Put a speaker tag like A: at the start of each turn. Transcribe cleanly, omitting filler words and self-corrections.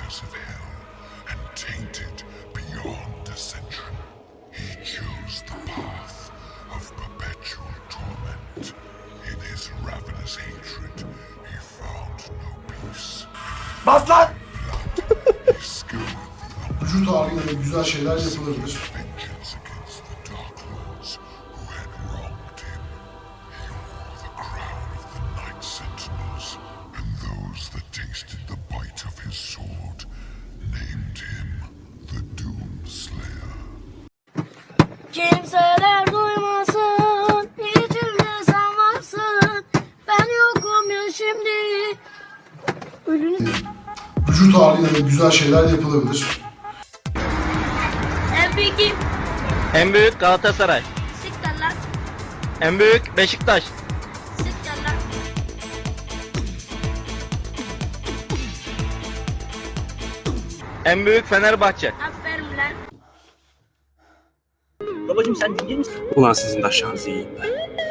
A: fires of hell and tainted beyond dissension. He chose the path of perpetual torment. In his ravenous hatred, he found no peace.
B: Bas lan!
A: He scoured the
C: Vücut ağrıyla güzel şeyler yapılabilir.
A: vengeance against the Dark Lords who had wronged him. He wore the crown of the Night Sentinels, and those that tasted the bite of his sword named him the Doomslayer.
D: Kimseler duymasın, içimde sen varsın. Ben yokum ya şimdi. Ölünü
C: Vücut ağrıyla güzel şeyler yapılabilir.
D: en büyük kim?
E: En büyük Galatasaray.
D: Siktir lan.
E: En büyük Beşiktaş.
D: Siktir lan.
E: En büyük Fenerbahçe.
D: Aferin lan.
B: Babacım sen değil misin?
F: Ulan sizin de aşağınızı yiyeyim ben.